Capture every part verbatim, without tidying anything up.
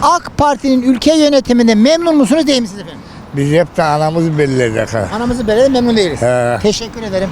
AK Parti'nin ülke yönetiminde memnun musunuz değil misiniz efendim? Biz hep de anamızı belirledik ha. Anamızı böyle memnun değiliz. He. Teşekkür ederim.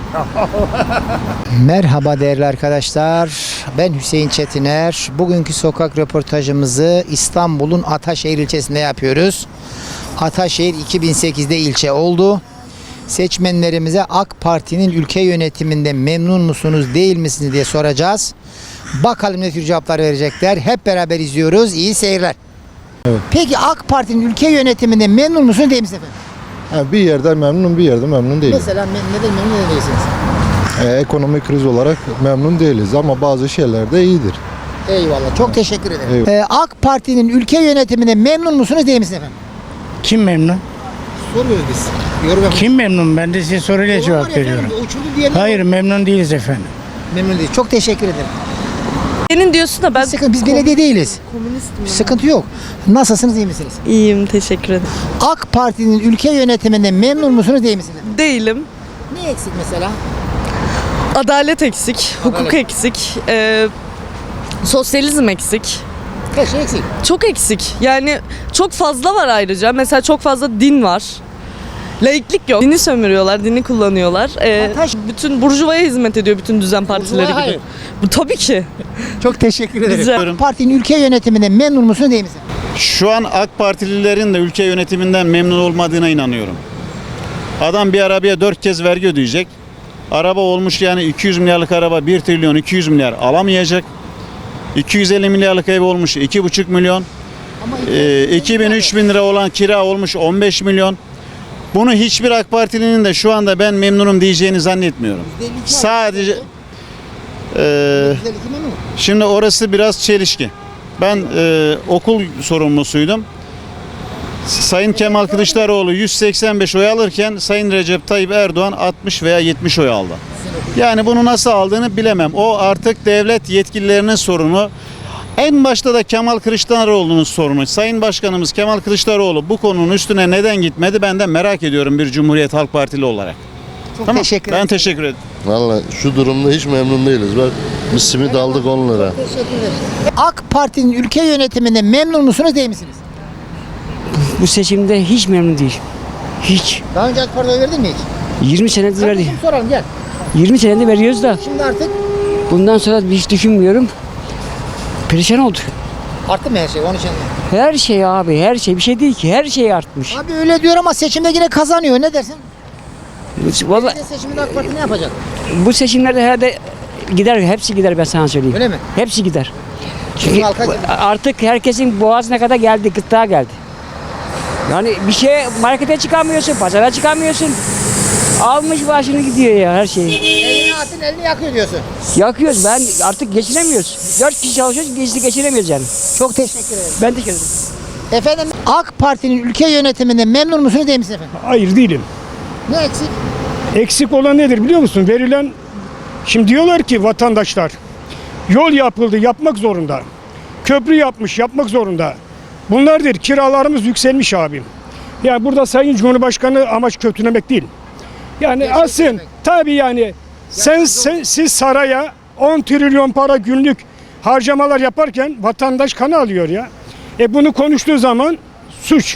Merhaba değerli arkadaşlar. Ben Hüseyin Çetiner. Bugünkü sokak röportajımızı İstanbul'un Ataşehir ilçesinde yapıyoruz. Ataşehir iki bin sekizde ilçe oldu. Seçmenlerimize AK Parti'nin ülke yönetiminde memnun musunuz değil misiniz diye soracağız. Bakalım ne tür cevaplar verecekler. Hep beraber izliyoruz. İyi seyirler. Evet. Peki AK Parti'nin ülke yönetiminde memnun musunuz değil misiniz efendim? Ha, bir yerde memnunum, bir yerde memnun değilim. Mesela me- neden memnun neden değilsiniz? Ee, ekonomik kriz olarak memnun değiliz ama bazı şeyler de iyidir. Eyvallah. Çok teşekkür ederim. Eyvallah. Ee, AK Parti'nin ülke yönetiminde memnun musunuz değil misiniz efendim? Kim memnun? Soruyoruz biz. Yorum yapın. Kim memnun? Ben de size soruyla Olan var cevap efendim, veriyorum. uçurdu diyenler Hayır, var. memnun değiliz efendim. Memnun değil. Çok teşekkür ederim. Senin diyorsun da ben Sıkıntı, biz belediye değiliz. komünistim. ben. Sıkıntı yok. Nasılsınız, iyi misiniz? İyiyim, teşekkür ederim. AK Parti'nin ülke yönetiminde memnun musunuz değil misiniz efendim? Değilim. Ne eksik mesela? Adalet eksik, hukuk eksik, e, sosyalizm eksik. Her şey eksik. Çok eksik. Yani çok fazla var ayrıca. Mesela çok fazla din var. Laiklik yok. Dini sömürüyorlar, dini kullanıyorlar. E, Ataş- bütün burjuvaya hizmet ediyor bütün düzen partileri gibi. hayır. Bu tabii ki. Çok teşekkür ederim. Rica- AK Parti'nin ülke yönetiminde memnun musunuz değil misiniz? Şu an AK Partililerin de ülke yönetiminden memnun olmadığına inanıyorum. Adam bir arabaya dört kez vergi ödeyecek. Araba olmuş yani iki yüz milyarlık araba bir trilyon iki yüz milyar alamayacak. iki yüz elli milyarlık ev olmuş iki buçuk milyon. Ama Ee, iki bin üç bin lira olan kira olmuş on beş milyon. Bunu hiçbir AK Partilinin de şu anda ben memnunum diyeceğini zannetmiyorum. Sadece e, şimdi orası biraz çelişki. Ben e, okul sorumlusuydum. Sayın Kemal Kılıçdaroğlu yüz seksen beş oy alırken Sayın Recep Tayyip Erdoğan altmış veya yetmiş oy aldı. Yani bunu nasıl aldığını bilemem. O artık devlet yetkililerinin sorunu. En başta da Kemal Kılıçdaroğlu'nun sorunu. Sayın Başkanımız Kemal Kılıçdaroğlu bu konunun üstüne neden gitmedi ben de merak ediyorum bir Cumhuriyet Halk Partili olarak. Çok Tamam. teşekkür Ben ederim. teşekkür ederim. Valla şu durumda hiç memnun değiliz. Bak biz simit aldık on lira. Teşekkür ederim. AK Parti'nin ülke yönetiminde memnun musunuz değil misiniz? Bu seçimde hiç memnun değil. Hiç. Daha önce AK Parti'ye oy verdin mi hiç? yirmi senedir verdi. Kardeşim soralım gel. yirmi senedir veriyoruz da Şimdi artık bundan sonra hiç düşünmüyorum. Perişan olduk. arttı mı her şey? Onun için. Her şey abi, her şey bir şey değil ki. Her şey artmış. Abi öyle diyor ama seçimde yine kazanıyor. Ne dersin? Vallahi Bir de seçimde AK Parti ne yapacak? bu seçimlerde herhalde gider, hepsi gider ben sana söyleyeyim. Öyle mi? Hepsi gider. Çünkü Bizim halka- artık herkesin boğazına kadar geldi, gırtlağa geldi. Yani bir şey markete çıkamıyorsun, pazara çıkamıyorsun. Almış başını gidiyor ya her şeyi. Elini atın elini yakıyor diyorsun. Yakıyoruz, ben artık geçinemiyoruz. Dört kişi çalışıyoruz, geçti geçinemiyoruz yani. Çok teşekkür ederim. Ben teşekkür ederim. Efendim AK Parti'nin ülke yönetiminde memnun musunuz değil misiniz efendim? Hayır değilim. Ne eksik? Eksik olan nedir biliyor musun? Verilen, şimdi diyorlar ki vatandaşlar yol yapıldı, yapmak zorunda. Köprü yapmış, yapmak zorunda. Bunlardır, kiralarımız yükselmiş abim. Yani burada Sayın Cumhurbaşkanı amaç kötülemek değil. Yani Gerçek asın demek. tabii yani sen, sen siz saraya on trilyon para günlük harcamalar yaparken vatandaş kanı alıyor ya. E bunu konuştuğu zaman suç.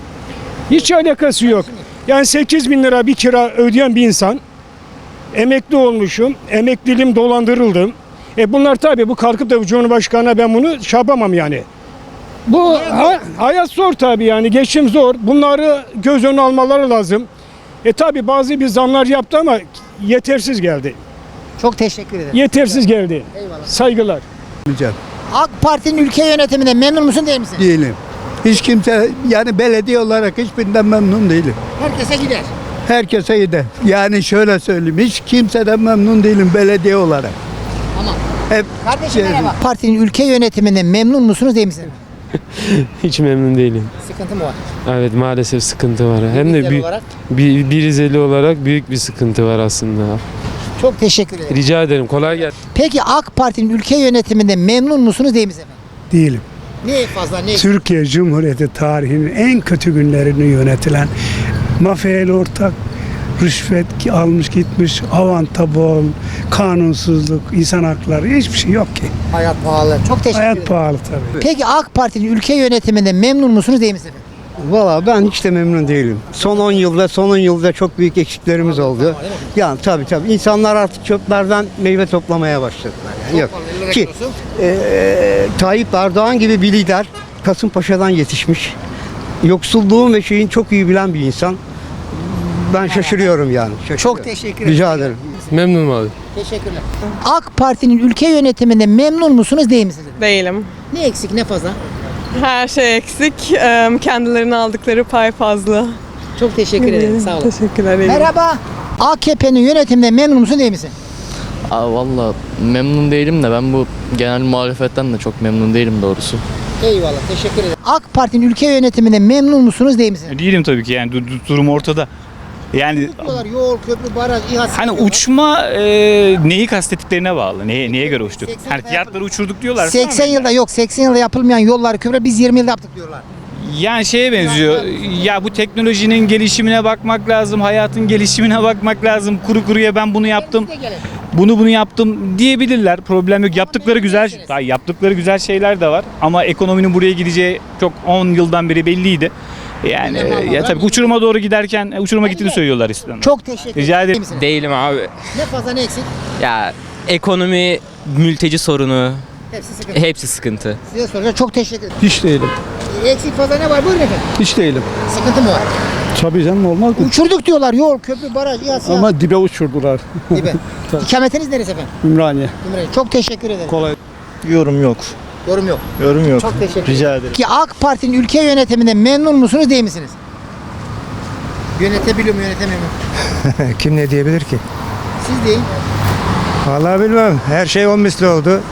Hiç alakası yok. Yani sekiz bin lira bir kira ödeyen bir insan, emekli olmuşum, emekliliğim dolandırıldım. E bunlar tabii bu kalkıp da bu Cumhurbaşkanı'na ben bunu şey yapamam yani. Bu ha, hayat zor tabii yani geçim zor. Bunları göz önüne almaları lazım. E tabii bazı bir zamlar yaptı ama yetersiz geldi. Çok teşekkür ederim. Yetersiz geldi. Eyvallah. Saygılar. AK Parti'nin ülke yönetiminde memnun musun değil misin? Değilim. Hiç kimse yani belediye olarak hiçbirinden memnun değilim. Herkese gider. Herkese gider. Yani şöyle söyleyeyim hiç kimseden memnun değilim belediye olarak. Tamam. Hep Kardeşim şey- merhaba. Partinin ülke yönetiminde memnun musunuz değil misiniz? Hiç memnun değilim. Sıkıntı mı var? Evet maalesef sıkıntı var. Hem de Ülke bir, olarak. bir, bir Rizeli olarak büyük bir sıkıntı var aslında. Çok teşekkür ederim. Rica ederim kolay gelsin. Peki AK Parti'nin ülke yönetiminde memnun musunuz değil misiniz efendim? Değilim. Ne fazla ne? Türkiye Cumhuriyeti tarihinin en kötü günlerini yönetilen mafyayla ortak, rüşvet ki almış gitmiş, avanta bol, kanunsuzluk, insan hakları hiçbir şey yok ki. Hayat pahalı. Çok teşekkür ederim. Hayat pahalı tabii. Peki AK Parti'nin ülke yönetiminde memnun musunuz değil misiniz? Valla ben hiç de memnun değilim. Son on yılda, son on yılda çok büyük eksiklerimiz oldu. Yani tabii tabii insanlar artık çöplerden meyve toplamaya başladılar. Yani yok. Ki eee Tayyip Erdoğan gibi bir lider Kasımpaşa'dan yetişmiş. Yoksulluğun ve şeyin çok iyi bilen bir insan. Ben şaşırıyorum yani. Şaşırıyorum. Çok teşekkür ederim. Rica ederim. Memnunum abi. Teşekkürler. AK Parti'nin ülke yönetiminde memnun musunuz değil misiniz? Değilim. Ne eksik ne fazla? Her şey eksik. Eee, Kendilerine aldıkları pay fazla. Çok teşekkür ederim. Sağ olun. Teşekkürler. Merhaba. A K P'nin yönetiminde memnun musun değil misin? Aa, valla memnun değilim de ben bu genel muhalefetten de çok memnun değilim doğrusu. Eyvallah. Teşekkür ederim. AK Parti'nin ülke yönetiminde memnun musunuz değil misiniz? Değilim tabii ki yani du- du- durum ortada. Yani Diyorlar yol, köprü, baraj, İHA. hani uçma e, neyi kastettiklerine bağlı. Neye, neye göre uçtuk? seksen Hani fiyatları uçurduk diyorlar. seksen yılda yok. seksen yılda yapılmayan yollar, köprü biz yirmi yılda yaptık diyorlar. Yani şeye benziyor. Ya bu teknolojinin gelişimine bakmak lazım, hayatın gelişimine bakmak lazım. Kuru kuruya ben bunu yaptım. Bunu bunu yaptım diyebilirler. Problem yok. Yaptıkları güzel, daha yaptıkları güzel şeyler de var. Ama ekonominin buraya gideceği çok on yıldan beri belliydi. Yani e, ya tabii uçuruma doğru giderken e, uçuruma gittiğini söylüyorlar İslam'da. Çok teşekkür ederim. Rica ederim. Misiniz? Değilim abi. Ne fazla ne eksik? Ya ekonomi, mülteci sorunu Hepsi sıkıntı. hepsi sıkıntı. Size soracağım. Çok teşekkür ederim. Hiç değilim. Eksik fazla ne var? Buyurun efendim. Hiç değilim. Sıkıntı mı var? Tabii canım olmaz mı? Uçurduk diyorlar. Yol, köprü, baraj, İHA, SİHA. Ama dibe uçurdular. Gibi. İkametiniz neresi efendim? Ümraniye. Ümraniye. Çok teşekkür ederim. Kolay. Yorum yok. Yorum yok. Yorum yok. Çok teşekkür ederim. Rica ederim. Ki AK Parti'nin ülke yönetiminde memnun musunuz değil misiniz? Yönetebiliyor mu yönetemiyor mu? Kim ne diyebilir ki? Siz deyin. Vallahi bilmem. Her şey on misli oldu.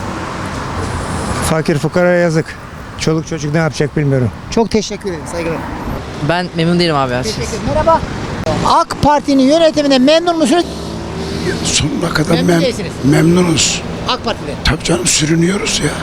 Fakir fukara yazık. Çoluk çocuk ne yapacak bilmiyorum. Çok teşekkür ederim. Saygılar. Ben memnun değilim abi. Teşekkür ederim. Merhaba. AK Parti'nin yönetiminde memnun musunuz? Sonuna kadar Memnun mem- değilsiniz. memnunuz. AK Parti'de. Tabii canım sürünüyoruz ya.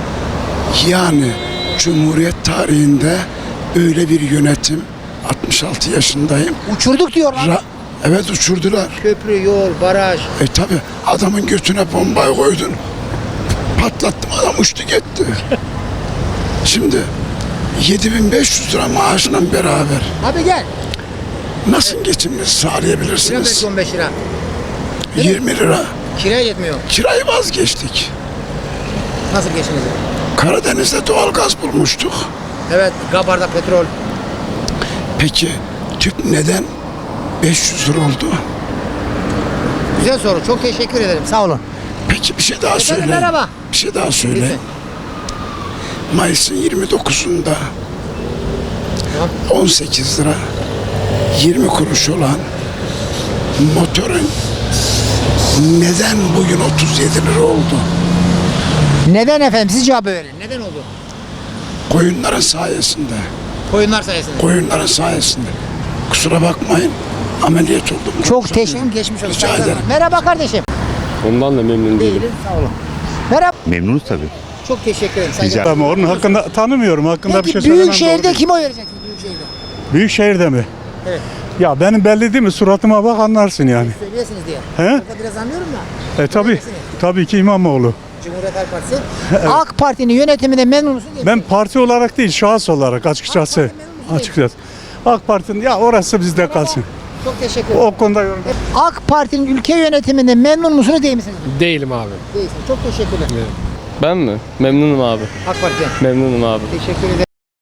Yani Cumhuriyet tarihinde böyle bir yönetim, altmış altı yaşındayım. Uçurduk diyorlar. Ra- evet uçurdular. Köprü, yol, baraj. E tabi adamın götüne bombayı koydun. Patlattım adam uçtu gitti. Şimdi yedi bin beş yüz lira maaşla beraber Abi gel. nasıl geçimini Kira sağlayabilirsiniz? belki on beş lira. yirmi lira. Kiraya yetmiyor. Kirayı vazgeçtik. Nasıl geçiniz? Karadeniz'de doğalgaz bulmuştuk. Evet. Gabar'da petrol. Peki tüp neden beş yüz lira oldu? Güzel soru. Çok teşekkür ederim. Sağ olun. Peki bir şey daha Efendim, söyle. merhaba. Bir şey daha söyle. Lütfen. Mayıs'ın yirmi dokuzunda on sekiz lira yirmi kuruş olan motorun neden bugün otuz yedi lira oldu? Neden efendim? Siz cevap verin. Neden oldu? Koyunların sayesinde. Koyunlar sayesinde. Koyunların sayesinde. Kusura bakmayın. Ameliyat oldum. Çok teşekkür ederim. Geçmiş olsun. Rica Saygılar. ederim. Merhaba kardeşim. Ondan da memnun değilim. Değilim. Sağ olun. Merhaba. Memnunuz tabii. Çok teşekkür ederim. Saygılar. Ama onun hakkında tanımıyorum. Hakkında Peki bir şey söylemem büyük doğru şehirde değil. kime oy vereceksiniz? Büyük şehirde. Büyük şehirde mi? Evet. Ya benim belli değil mi? Suratıma bak anlarsın yani. Söylüyorsunuz diye. He? Orada biraz anlıyorum da. E tabii. Tabii ki İmamoğlu. Cumhuriyet Halk Partisi. AK Parti'nin yönetiminde memnun musun? değil Ben misin? parti olarak değil, şahıs olarak açıkçası. AK Parti memnun musun? Açıkçası. AK Parti'nin ya orası bizde kalsın. Çok teşekkür ederim. O konuda yorum. AK Parti'nin ülke yönetiminde memnun musunuz değil misiniz? Değilim abi. Değilsiniz. Çok teşekkürler. Ben mi? Memnunum abi. AK Parti'den. Memnunum abi. Teşekkür ederim.